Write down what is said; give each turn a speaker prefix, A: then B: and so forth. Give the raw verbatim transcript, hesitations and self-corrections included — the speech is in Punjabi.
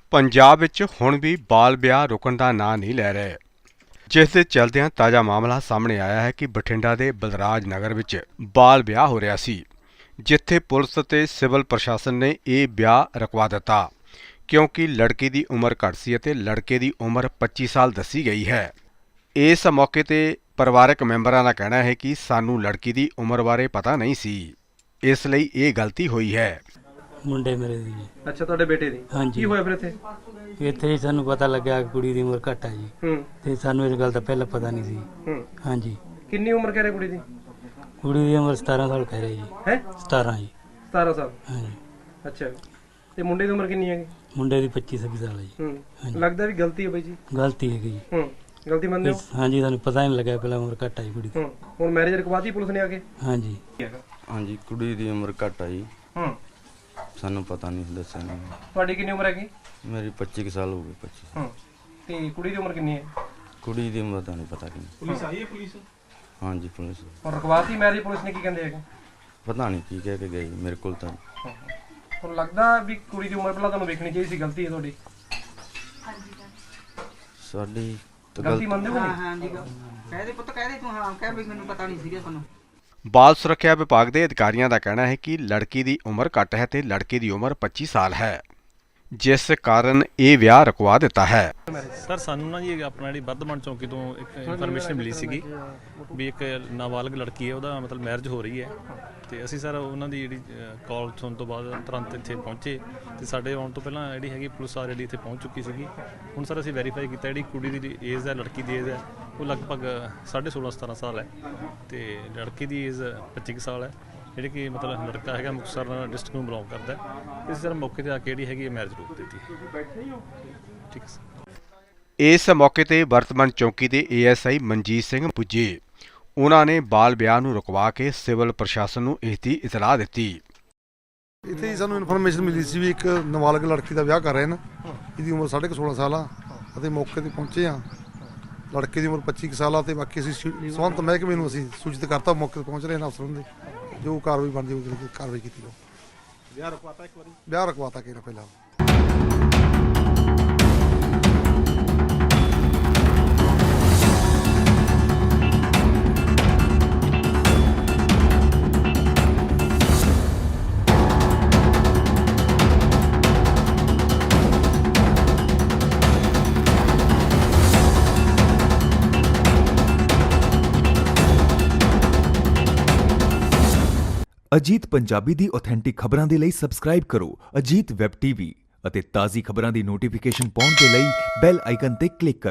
A: ਪੰਜਾਬ ਵਿੱਚ ਹੁਣ ਵੀ ਬਾਲ ਵਿਆਹ ਰੁਕਣ ਦਾ ਨਾਂ ਨਹੀਂ ਲੈ ਰਹੇ, ਜਿਸ ਦੇ ਚਲਦਿਆਂ ਤਾਜ਼ਾ ਮਾਮਲਾ ਸਾਹਮਣੇ ਆਇਆ ਹੈ ਕਿ ਬਠਿੰਡਾ ਦੇ ਬਲਰਾਜ ਨਗਰ ਵਿੱਚ ਬਾਲ ਵਿਆਹ ਹੋ ਰਿਹਾ ਸੀ, ਜਿੱਥੇ ਪੁਲਿਸ ਅਤੇ ਸਿਵਲ ਪ੍ਰਸ਼ਾਸਨ ਨੇ ਇਹ ਵਿਆਹ ਰੁਕਵਾ ਦਿੱਤਾ ਕਿਉਂਕਿ ਲੜਕੀ ਦੀ ਉਮਰ ਘੱਟ ਸੀ ਅਤੇ ਲੜਕੇ ਦੀ ਉਮਰ ਪੱਚੀ ਸਾਲ ਦੱਸੀ ਗਈ ਹੈ। ਇਸ ਮੌਕੇ ਤੇ ਪਰਿਵਾਰਕ ਮੈਂਬਰਾਂ ਦਾ ਕਹਿਣਾ ਹੈ ਕਿ ਸਾਨੂੰ ਲੜਕੀ ਦੀ ਉਮਰ ਬਾਰੇ ਪਤਾ ਨਹੀਂ ਸੀ, ਇਸ ਲਈ ਇਹ ਗਲਤੀ ਹੋਈ ਹੈ।
B: ਮੁੰਡੇ ਮੇਰੇ ਦੀ ਜੀ।
C: ਅੱਛਾ, ਤੁਹਾਡੇ ਬੇਟੇ ਦੀ
B: ਹਾਂਜੀ।
C: ਕੀ ਹੋਇਆ ਫਿਰ ਇੱਥੇ?
B: ਇੱਥੇ ਹੀ ਸਾਨੂੰ ਪਤਾ ਲੱਗਿਆ ਕਿ ਕੁੜੀ ਦੀ ਉਮਰ ਘੱਟ ਹੈ ਜੀ,
C: ਹੂੰ
B: ਤੇ ਸਾਨੂੰ ਇਸ ਗੱਲ ਦਾ ਪਹਿਲਾਂ ਪਤਾ ਨਹੀਂ ਸੀ।
C: ਹੂੰ
B: ਹਾਂਜੀ,
C: ਕਿੰਨੀ ਉਮਰ ਕਹਿ ਰਹੇ ਕੁੜੀ ਦੀ?
B: ਕੁੜੀ ਦੀ ਉਮਰ ਸਤਾਰਾਂ ਸਾਲ ਕਹਿ ਰਹੇ ਜੀ।
C: ਹੈ
B: ਸਤਾਰਾਂ ਜੀ।
C: ਸਤਾਰਾਂ ਸਾਲ।
B: ਹਾਂਜੀ,
C: ਅੱਛਾ, ਤੇ ਮੁੰਡੇ ਦੀ ਉਮਰ ਕਿੰਨੀ ਹੈਗੀ?
B: ਮੁੰਡੇ ਦੀ ਪੱਚੀ ਛੱਬੀ ਸਾਲ ਹੈ ਜੀ।
C: ਹੂੰ
B: ਹਾਂਜੀ।
C: ਲੱਗਦਾ ਵੀ ਗਲਤੀ ਹੈ ਬਾਈ ਜੀ।
B: ਗਲਤੀ ਹੈਗੀ ਜੀ।
C: ਹੂੰ ਗਲਤੀ ਮੰਨਦੇ ਹੋ?
B: ਹਾਂਜੀ, ਸਾਨੂੰ ਪਤਾ ਹੀ ਨਹੀਂ ਲੱਗਿਆ ਪਹਿਲਾਂ ਉਮਰ ਘੱਟ ਹੈ ਜੀ ਕੁੜੀ ਦੀ।
C: ਹੂੰ ਹੁਣ ਮੈਰਿਜ ਰਕਵਾਤੀ ਪੁਲਿਸ ਨੇ ਆ ਕੇ?
B: ਹਾਂਜੀ।
D: ਹਾਂਜੀ, ਕੁੜੀ ਦੀ ਉਮਰ ਘੱਟ ਆ ਜੀ,
C: ਹੂੰ
D: ਸਾਨੂੰ ਪਤਾ ਨਹੀਂ ਦੱਸਿਆ ਨਹੀਂ।
C: ਤੁਹਾਡੀ ਕਿੰਨੀ ਉਮਰ ਹੈਗੀ?
D: ਮੇਰੀ ਪੱਚੀ ਕੁ ਸਾਲ ਹੋ ਗਏ। ਪੱਚੀ।
C: ਹੂੰ ਤੇ ਕੁੜੀ ਦੀ ਉਮਰ ਕਿੰਨੀ ਹੈ?
D: ਕੁੜੀ ਦੀ ਉਮਰ ਤਾਂ ਨਹੀਂ ਪਤਾ ਕਿੰਨੀ।
C: ਪੁਲਿਸ ਆਈ ਹੈ? ਪੁਲਿਸ
D: ਹਾਂਜੀ, ਪੁਲਿਸ
C: ਹੁਣ ਰਕਵਾਤੀ ਮੈਰਿਜ ਪੁਲਿਸ ਨੇ ਕੀ ਕਹਿੰਦੇ ਹੈਗੇ?
D: ਪਤਾ ਨਹੀਂ ਕੀ ਕਹਿ ਕੇ ਗਈ, ਮੇਰੇ ਕੋਲ ਤਾਂ
C: ਹੁਣ ਲੱਗਦਾ ਵੀ ਕੁੜੀ ਦੀ ਉਮਰ ਪਹਿਲਾਂ ਤੁਹਾਨੂੰ ਵੇਖਣੀ ਚਾਹੀਦੀ ਸੀ, ਗਲਤੀ ਹੈ ਤੁਹਾਡੀ।
D: ਸਾਡੀ ਤਾਂ
C: ਗਲਤੀ
D: ਗਲਤੀ
C: ਮੰਨਦੇ ਹੋ ਕਿ ਨਹੀਂ?
E: ਹਾਂ ਜੀ, ਕਹਿ ਦੇ ਪੁੱਤ, ਕਹਿ ਦੇ ਤੂੰ। ਹਾਂ, ਕਹਿ ਵੀ ਮੈਨੂੰ ਪਤਾ ਨਹੀਂ ਸੀਗਾ ਸਾਨੂੰ।
A: ਬਾਲ ਸੁਰੱਖਿਆ ਵਿਭਾਗ ਦੇ ਅਧਿਕਾਰੀਆਂ ਦਾ ਕਹਿਣਾ ਹੈ ਕਿ ਲੜਕੀ ਦੀ ਉਮਰ ਘੱਟ ਹੈ ਤੇ ਲੜਕੇ ਦੀ ਉਮਰ ਪੱਚੀ ਸਾਲ ਹੈ, ਜਿਸ ਕਾਰਨ ਇਹ ਵਿਆਹ ਰੁਕਵਾ ਦਿੱਤਾ ਹੈ।
F: ਸਰ, ਸਾਨੂੰ ਨਾ ਜੀ ਆਪਣਾ ਜਿਹੜੀ ਬੱਧਮਣ ਚੌਂਕੀ ਤੋਂ ਇੱਕ ਇਨਫੋਰਮੇਸ਼ਨ ਮਿਲੀ ਸੀਗੀ ਵੀ ਇੱਕ ਨਾਬਾਲਗ ਲੜਕੀ ਹੈ, ਉਹਦਾ ਮਤਲਬ ਮੈਰਿਜ ਹੋ ਰਹੀ ਹੈ, ਤੇ ਅਸੀਂ ਸਰ ਉਹਨਾਂ ਦੀ ਜਿਹੜੀ ਕਾਲ ਸੁਣਨ ਤੋਂ ਬਾਅਦ ਤੁਰੰਤ ਇੱਥੇ ਪਹੁੰਚੇ, ਤੇ ਸਾਡੇ ਆਉਣ ਤੋਂ ਪਹਿਲਾਂ ਜਿਹੜੀ ਹੈਗੀ ਪੁਲਿਸ ਆ ਜਿਹੜੀ ਇੱਥੇ ਪਹੁੰਚ ਚੁੱਕੀ ਸੀਗੀ। ਹੁਣ ਸਰ ਅਸੀਂ ਵੈਰੀਫਾਈ ਕੀਤਾ, ਜਿਹੜੀ ਕੁੜੀ ਦੀ ਏਜ ਹੈ, ਲੜਕੀ ਦੀ ਏਜ ਹੈ, ਉਹ ਲਗਭਗ ਸਾਢੇ ਸੋਲਾਂ ਸਤਾਰਾਂ ਸਾਲ ਹੈ, ਤੇ ਲੜਕੀ ਦੀ ਏਜ ਪੱਚੀ ਕੁ ਸਾਲ ਹੈ। ਜਿਹੜੇ ਕਿ ਮਤਲਬ ਲੜਕਾ ਹੈਗਾ ਮੁਕਤਸਰ ਡਿਸਟ੍ਰਿਕਟ ਨੂੰ ਬਿਲੋਂਗ ਕਰਦਾ ਹੈ। ਇਸ ਤਰ੍ਹਾਂ ਮੌਕੇ 'ਤੇ ਆ ਕੇ ਜਿਹੜੀ ਹੈਗੀ ਮੈਰਿਜ ਰੋਕ ਦਿੱਤੀ। ਠੀਕ ਹੈ ਸਰ।
A: ਇਸ ਮੌਕੇ ਤੇ ਵਰਤਮਾਨ ਚੌਕੀ ਦੇ A S I Manjit Singh ਪੁੱਜੇ। ਉਹਨਾਂ ਨੇ ਬਾਲ ਵਿਆਹ ਨੂੰ ਰੁਕਵਾ ਕੇ ਸਿਵਲ ਪ੍ਰਸ਼ਾਸਨ ਨੂੰ ਇਸ ਦੀ ਇਤਲਾਹ ਦਿੱਤੀ।
G: ਇੱਥੇ ਹੀ ਸਾਨੂੰ ਇਨਫੋਰਮੇਸ਼ਨ ਮਿਲੀ ਸੀ ਵੀ ਇੱਕ ਨਾਬਾਲਗ ਲੜਕੀ ਦਾ ਵਿਆਹ ਕਰ ਰਹੇ ਨੇ, ਇਹਦੀ ਉਮਰ ਸਾਢੇ ਕੁ ਸੋਲਾਂ ਸਾਲ ਆ, ਅਤੇ ਮੌਕੇ ਤੇ ਪਹੁੰਚੇ ਆ। ਲੜਕੇ ਦੀ ਉਮਰ ਪੱਚੀ ਕੁ ਸਾਲ ਆ, ਤੇ ਬਾਕੀ ਅਸੀਂ ਸਬੰਧਤ ਮਹਿਕਮੇ ਨੂੰ ਅਸੀਂ ਸੂਚਿਤ ਕਰਤਾ, ਮੌਕੇ ਤੇ ਪਹੁੰਚ ਰਹੇ ਨੇ ਅਫਸਰਾਂ ਦੇ, ਜੋ ਕਾਰਵਾਈ ਬਣਦੀ ਹੋਊਗੀ ਕਾਰਵਾਈ ਕੀਤੀ ਜਾਊ। ਵਿਆਹ ਰੁਕਵਾਤਾ ਇੱਕ ਵਾਰੀ? ਵਿਆਹ ਰੁਕਵਾਤਾ ਕਿ ਪਹਿਲਾਂ।
H: ਅਜੀਤ ਪੰਜਾਬੀ ਦੀ ਆਥੈਂਟਿਕ ਖਬਰਾਂ ਦੇ ਲਈ ਸਬਸਕ੍ਰਾਈਬ ਕਰੋ ਅਜੀਤ ਵੈਬ ਟੀਵੀ ਅਤੇ ਤਾਜ਼ੀ ਖਬਰਾਂ ਦੀ ਨੋਟੀਫਿਕੇਸ਼ਨ ਪਾਉਣ ਦੇ ਲਈ ਬੈਲ ਆਈਕਨ ਤੇ ਕਲਿੱਕ ਕਰੋ।